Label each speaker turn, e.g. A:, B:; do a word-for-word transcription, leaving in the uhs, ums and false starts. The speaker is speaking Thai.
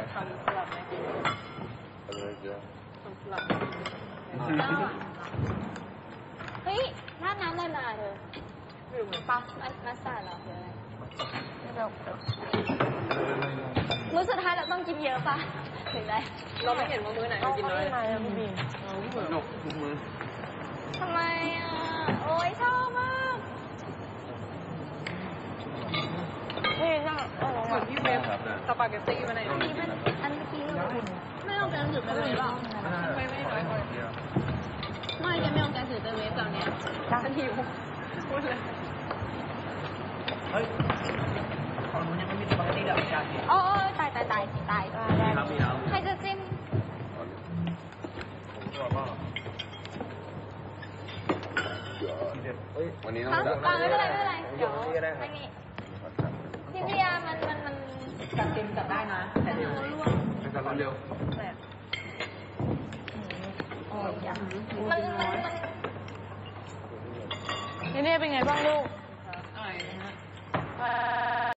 A: ทำสลับไหม
B: เลยเยอะ
A: สลับ
C: เฮ้ยราดน้ำอะไรมาเธอหรือปั๊บมัสตาร์ดเหรอหรืออะไรมื้อสุดท้ายเราต้องกินเยอะป่ะหรือไร
A: เราไม่เห็นว่ามื้อไหนเรากินน้อย
C: ทำไมอ่ะพี่บีม
B: นกทุกมือ
C: ทำไมอ่ะโอ้ยชอบมากนี่น่า
A: เหมือนที่เว็บสปาเกตตี้มาไหน
C: อันนี้เป็นอันเมื่อกี้ไม่เอาแกงจืดไปเลยหรอ
A: ไม่ไม่น้อยกว่า
C: ไม่แกไม่เอาแกงจืดไปเว็บตอนนี้
A: ฉันหิวพูดเลย
D: เฮ้ยของนู้นยังไม่มีสปาเกตตี้แบบจานนี้
C: โอ้ยตายตายตายตายใครจะจิ้ม
B: วันนี้ต้
C: องไม่เป็นไรไม่เป็นไรเดี๋ยวไม่มีทีมเรียมันมันมัน
D: จับเต็มจับได้นะแต่เร็ว
B: ไม่จับเร็ว
C: มันมันมันนี่เป็นไงบ้างลูก